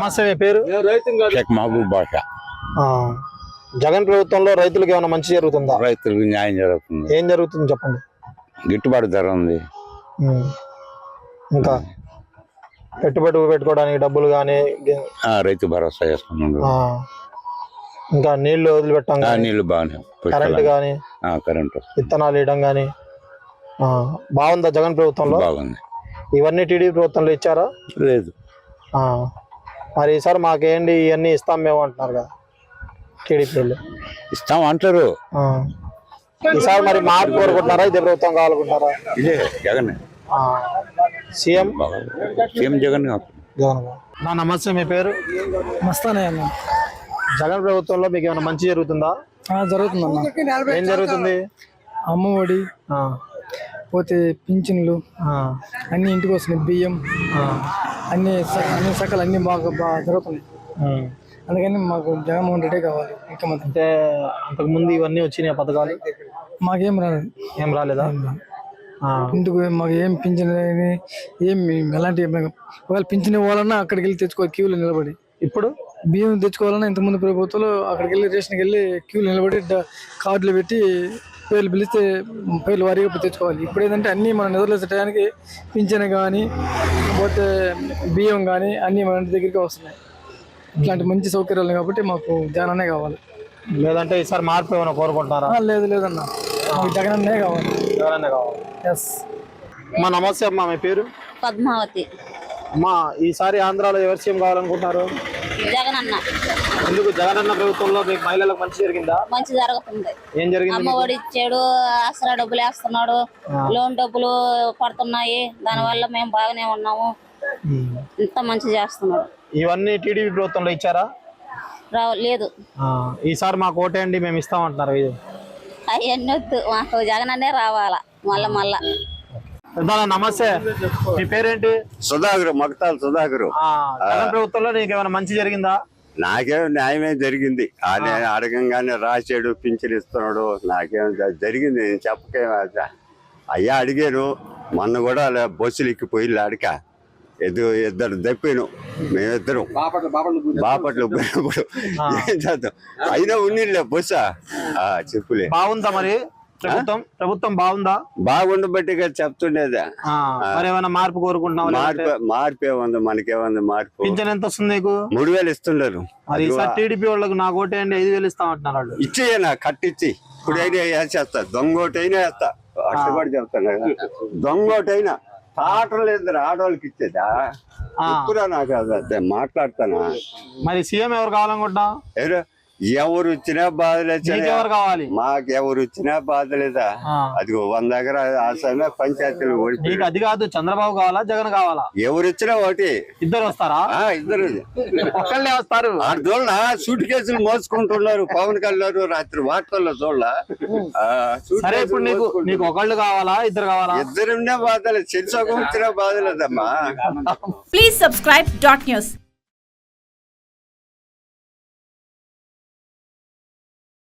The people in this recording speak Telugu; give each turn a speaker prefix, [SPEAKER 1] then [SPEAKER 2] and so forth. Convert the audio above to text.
[SPEAKER 1] నమస్తే, మీ పేరు?
[SPEAKER 2] షేక్ మహబూబ్ బాషా.
[SPEAKER 1] జగన్ ప్రభుత్వంలో రైతులకు ఏమైనా మంచి జరుగుతుందా?
[SPEAKER 2] రైతులకు న్యాయం జరుగుతుంది.
[SPEAKER 1] ఏం జరుగుతుంది చెప్పండి.
[SPEAKER 2] గిట్టుబాటు ధర ఉంది.
[SPEAKER 1] ఇంకా పెట్టుబడి పెట్టుకోవడానికి డబ్బులు కానీ
[SPEAKER 2] రైతు భరోసా చేసుకున్నాడు.
[SPEAKER 1] ఇంకా నీళ్లు వదిలిపెట్టాం,
[SPEAKER 2] నీళ్లు బాగానే,
[SPEAKER 1] కరెంట్ కానీ
[SPEAKER 2] కరెంటు
[SPEAKER 1] విత్తనాలు వేయడం కానీ బాగుందా జగన్ ప్రభుత్వంలో?
[SPEAKER 2] బాగుంది.
[SPEAKER 1] ఇవన్నీ టీడీపీ ప్రభుత్వంలో ఇచ్చారా?
[SPEAKER 2] లేదు.
[SPEAKER 1] మరి ఈసారి మాకేంటి ఇవన్నీ ఇస్తాం మేము అంటున్నారు కదా టీడీపీ వాళ్ళు.
[SPEAKER 2] ఇస్తాం అంటారు.
[SPEAKER 1] ఈసారి మరి మార్పు కోరుకుంటున్నారా, ఇదే ప్రభుత్వం కావాలనుకుంటారా?
[SPEAKER 2] ఇదే జగన్
[SPEAKER 1] సీఎం
[SPEAKER 2] జగన్.
[SPEAKER 1] నా నమస్తే, మీ పేరు?
[SPEAKER 3] మస్తానే అన్న.
[SPEAKER 1] జగన్ ప్రభుత్వంలో మీకు ఏమైనా మంచి జరుగుతుందా?
[SPEAKER 3] జరుగుతుందన్న.
[SPEAKER 1] ఏం జరుగుతుంది?
[SPEAKER 3] అమ్మఒడి, పోతే పింఛన్లు అన్ని ఇంటికి వస్తున్నాయి, బియ్యం అన్ని సకలు అన్ని బాగా జరుగుతున్నాయి. అందుకని మాకు జగన్మోహన్ రెడ్డి కావాలి ముఖ్యమంత్రి.
[SPEAKER 1] అంటే అంతకు ముందు ఇవన్నీ వచ్చినాయి పథకాలు?
[SPEAKER 3] మాకేం రాలేదు.
[SPEAKER 1] ఏం రాలేదా?
[SPEAKER 3] ఇంటికి మాకు ఏం పింఛన్ ఏం ఎలాంటి ఒకవేళ పింఛన్ ఇవ్వాలన్నా అక్కడికి వెళ్ళి తెచ్చుకోవాలి క్యూలో నిలబడి.
[SPEAKER 1] ఇప్పుడు
[SPEAKER 3] బియ్యం తెచ్చుకోవాలన్నా ఇంతకుముందు ప్రభుత్వంలో అక్కడికి వెళ్ళి రేషన్కి వెళ్ళి క్యూలో నిలబడి కార్డులు పెట్టి పేర్లు పిలిస్తే పేర్లు వారీగా తెచ్చుకోవాలి. ఇప్పుడు ఏంటంటే అన్నీ మన నిద్రలేసే టయానికి పింఛన్ కానీ పోతే బియ్యం కానీ అన్నీ మన ఇంటి దగ్గరికి వస్తున్నాయి. ఇట్లాంటి మంచి సౌకర్యాలు కాబట్టి మాకు జగనన్నే కావాలి.
[SPEAKER 1] లేదంటే ఈసారి మార్పు ఏమైనా కోరుకుంటున్నారా?
[SPEAKER 3] లేదన్న, మాకు జగనన్నే కావాలి.
[SPEAKER 1] జగనన్నే కావాలి.
[SPEAKER 3] ఎస్.
[SPEAKER 1] అమ్మా నమస్తే అమ్మా, మీ పేరు?
[SPEAKER 4] పద్మావతి.
[SPEAKER 1] అమ్మా ఈసారి ఆంధ్రాలో ఎవరు సీఎం కావాలనుకుంటున్నారు?
[SPEAKER 4] జగనన్న.
[SPEAKER 1] ఎందుకు జగనన్న ప్రభుత్వంలో మీకు మహిళలకు మంచి జరిగిందా?
[SPEAKER 4] మంచి జరుగుతుంది.
[SPEAKER 1] ఏం జరిగింది?
[SPEAKER 4] అమ్మఒడి ఇచ్చాడు, ఆసరా డబ్బులు వేస్తున్నాడు, లోన్ డబ్బులు పడుతున్నాయి, దానివల్ల మేము బాగానే ఉన్నాము. ఇంత మంచి చేస్తున్నాడు.
[SPEAKER 1] ఇవన్నీ టీడీపీ ప్రభుత్వంలో ఇచ్చారా?
[SPEAKER 4] లేదు.
[SPEAKER 1] ఈసారి మాకు ఓటేయండి మేము ఇస్తామంటున్నారు.
[SPEAKER 4] అవన్నీ వద్దు, మాకు జగనన్నే రావాలా మళ్ళా.
[SPEAKER 1] నమస్తే, మీ పేరేంటి?
[SPEAKER 2] సుధాకర్, మగతాల్ సుధాకర్.
[SPEAKER 1] జగన్ ప్రభుత్వంలో నీకు ఏమైనా మంచి జరిగిందా?
[SPEAKER 2] నాకేం న్యాయమే జరిగింది. అడగంగానే రాశాడు, పింఛన్ ఇస్తున్నాడు. నాకేం జరిగింది నేను చెప్పకే. అయ్యా అడిగాను మొన్న కూడా బస్సులు ఎక్కిపోయి అడిక ఇద్దరు దప్పాను. మేమిద్దరం బాపట్లు పోయినప్పుడు ఏం చేద్దాం, అయినా ఉన్నిలే బస్సా. చెప్పులే.
[SPEAKER 1] బాగుందా మరి ప్రభుత్వం బాగుందా?
[SPEAKER 2] బాగుండబట్టిగా చెప్తుండేదా.
[SPEAKER 1] ఏమైనా మార్పు కోరుకుంటున్నాం?
[SPEAKER 2] మార్పు ఏముంది, మనకేముంది మార్పు.
[SPEAKER 1] పింఛన్ ఎంత వస్తుంది నీకు?
[SPEAKER 2] 3000 ఇస్తుండరు.
[SPEAKER 1] మరి ఈసారి టీడీపీ వాళ్ళకు నాకు ఓటేయండి 5000 ఇస్తామంటున్నారు.
[SPEAKER 2] ఇచ్చేయనా కట్టిచ్చి ఇప్పుడైనా వేసేస్తా, దొంగోటైనా వేస్తా. అట్టుబడి చెప్తాను, దొంగోటైనా తాటలేదు ఆడవాళ్ళకి ఇచ్చేదా. ఎప్పుడా నాకు అదే మాట్లాడతానా.
[SPEAKER 1] మరి సీఎం ఎవరు కావాలనుకుంటున్నావు?
[SPEAKER 2] ఎవరు వచ్చినా బాధలేదు.
[SPEAKER 1] కావాలి
[SPEAKER 2] మాకు ఎవరు వచ్చినా బాధలేదా. అది 100 ఎకరా ఆసమే పంచాయతీలు ఓడిపోయి.
[SPEAKER 1] అది కాదు, చంద్రబాబు కావాలా జగన్ కావాలా?
[SPEAKER 2] ఎవరు వచ్చినా ఒకటి.
[SPEAKER 1] ఇద్దరు వస్తారా?
[SPEAKER 2] ఇద్దరు
[SPEAKER 1] ఒక్కళ్ళే వస్తారు.
[SPEAKER 2] చూడలా సూట్ కేసులు మోసుకుంటున్నారు పవన్ కళ్యాణ్ రాత్రి వార్తల్లో చూడలా.
[SPEAKER 1] సరే ఇప్పుడు నీకు ఒకళ్ళు కావాలా ఇద్దరు కావాలా?
[SPEAKER 2] ఇద్దరున్నా బాధలేదు, చెరిసొక వచ్చినా బాధలేదమ్మా.
[SPEAKER 5] Please subscribe .news.